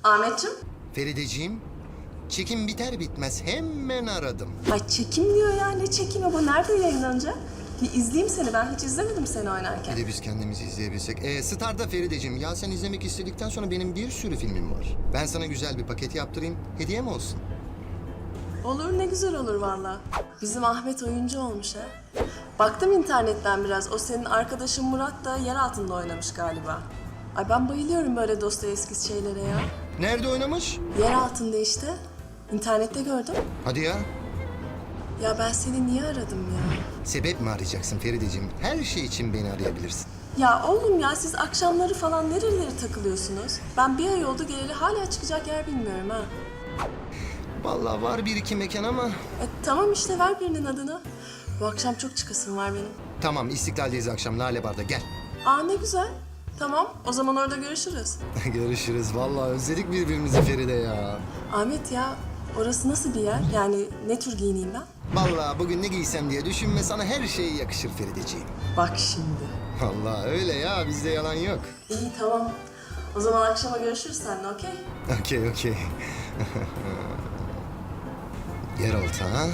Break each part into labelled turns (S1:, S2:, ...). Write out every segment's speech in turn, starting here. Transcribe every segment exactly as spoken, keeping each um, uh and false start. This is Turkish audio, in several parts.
S1: Ahmetciğim.
S2: Ferideciğim, çekim biter bitmez hemen aradım.
S1: Ay çekim diyor ya. Ne çekimi bu? Nerede yayınlanacak? Bir izleyeyim seni. Ben hiç izlemedim seni oynarken.
S2: Bir de biz kendimizi izleyebilsek. Ee, Star'da Ferideciğim, ya sen izlemek istedikten sonra benim bir sürü filmim var. Ben sana güzel bir paket yaptırayım, hediye mi olsun?
S1: Olur, ne güzel olur valla. Bizim Ahmet oyuncu olmuş ha. Baktım internetten biraz. O senin arkadaşın Murat da yer altında oynamış galiba. Ay ben bayılıyorum böyle Dostoyevski şeylere ya.
S2: Nerede oynamış?
S1: Yer altında işte. İnternette gördüm.
S2: Hadi ya.
S1: Ya ben seni niye aradım ya?
S2: Sebep mi arayacaksın Ferideciğim? Her şey için beni arayabilirsin.
S1: Ya oğlum ya siz akşamları falan nerelere takılıyorsunuz? Ben bir ay oldu geleli hala çıkacak yer bilmiyorum ha.
S2: Vallahi var bir iki mekan ama...
S1: E tamam işte ver birinin adını. Bu akşam çok çıkasım var benim.
S2: Tamam, İstiklal'deyiz akşam, Lale Bar'da, gel.
S1: Aa ne güzel. Tamam o zaman orada görüşürüz.
S2: Görüşürüz. Vallahi özledik birbirimizi Feride ya.
S1: Ahmet ya orası nasıl bir yer? Yani ne tür giyineyim ben?
S2: Vallahi bugün ne giysem diye düşünme, sana her şey yakışır Ferideciğim.
S1: Bak şimdi.
S2: Vallahi öyle ya, bizde yalan yok.
S1: İyi tamam. O zaman akşama görüşürüz seninle okey?
S2: Okey, okey. Yeraltı ha?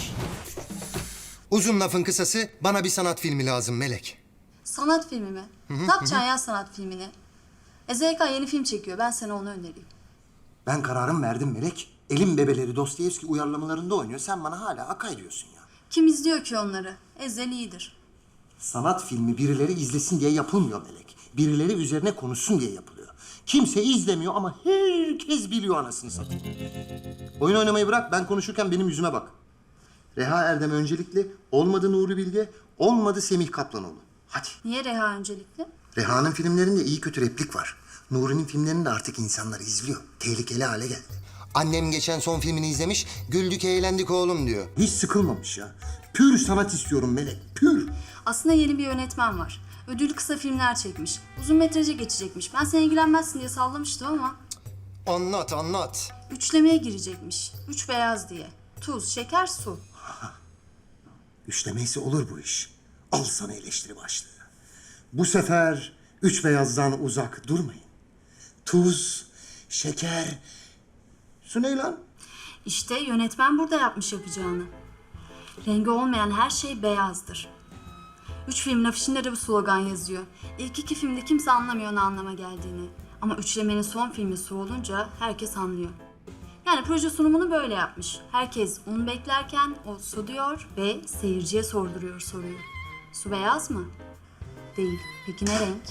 S2: Uzun lafın kısası, bana bir sanat filmi lazım Melek.
S3: Sanat filmi mi? Ne yapacaksın ya sanat filmini? E Z K yeni film çekiyor. Ben sana onu önereyim.
S4: Ben kararımı verdim Melek. Elim bebeleri Dostoyevski uyarlamalarında oynuyor. Sen bana hala akay diyorsun ya.
S3: Kim izliyor ki onları? Ezel iyidir.
S4: Sanat filmi birileri izlesin diye yapılmıyor Melek. Birileri üzerine konuşsun diye yapılıyor. Kimse izlemiyor ama herkes biliyor anasını satayım. Oyun oynamayı bırak, ben konuşurken benim yüzüme bak. Reha Erdem öncelikli, olmadı Nuri Bilge, olmadı Semih Kaplanoğlu. Hadi.
S3: Niye Reha öncelikli?
S4: Reha'nın filmlerinde iyi kötü replik var. Nuri'nin filmlerini de artık insanlar izliyor. Tehlikeli hale geldi.
S2: Annem geçen son filmini izlemiş, güldük eğlendik oğlum diyor.
S4: Hiç sıkılmamış ya. Pür sanat istiyorum Melek, pür.
S3: Aslında yeni bir yönetmen var. Ödüllü kısa filmler çekmiş. Uzun metraja geçecekmiş. Ben sen ilgilenmezsin diye sallamıştım ama...
S2: Anlat, anlat.
S3: Üçlemeye girecekmiş. Üç beyaz diye. Tuz, şeker, su.
S4: Üçlemeyse olur bu iş. Al sana eleştiri başlığı. Bu sefer üç beyazdan uzak durmayın. Tuz, şeker... Su ne lan?
S3: İşte yönetmen burada yapmış yapacağını. Rengi olmayan her şey beyazdır. Üç filmin afişinde de bu slogan yazıyor. İlk iki filmde kimse anlamıyor ne anlama geldiğini. Ama üçlemenin son filmi su olunca herkes anlıyor. Yani proje sunumunu böyle yapmış. Herkes un beklerken o su diyor ve seyirciye sorduruyor soruyu. Su beyaz mı? Değil. Peki ne renk?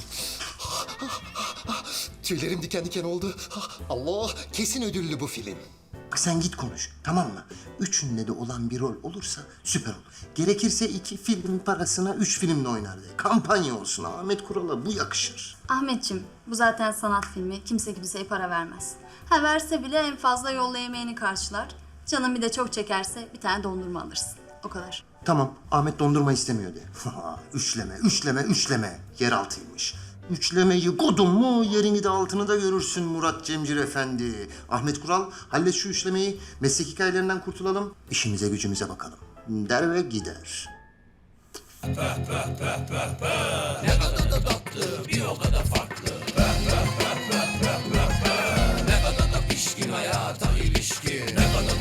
S2: Tüylerim diken diken oldu. Allah, kesin ödüllü bu film.
S4: Bak sen git konuş, tamam mı? Üçünde de olan bir rol olursa süper olur. Gerekirse iki film parasına üç filmle oynar de. Kampanya olsun, Ahmet Kural'a bu yakışır.
S3: Ahmetciğim, bu zaten sanat filmi. Kimse kimseye para vermez. Ha verse bile en fazla yolla yemeğini karşılar. Canın bir de çok çekerse bir tane dondurma alırsın. O kadar.
S4: Tamam, Ahmet dondurma istemiyor de. Üçleme, üçleme, üçleme. Yeraltıymış. Üçlemeyi kodun mu yerini de altını da görürsün Murat Cemcir Efendi. Ahmet Kural, hallet şu üçlemeyi. Meslek hikayelerinden kurtulalım. İşimize gücümüze bakalım. Der ve gider.
S5: Ne kadar da tatlı, bir o kadar farklı. Ne kadar da pişkin hayata ilişkin. Ne kadar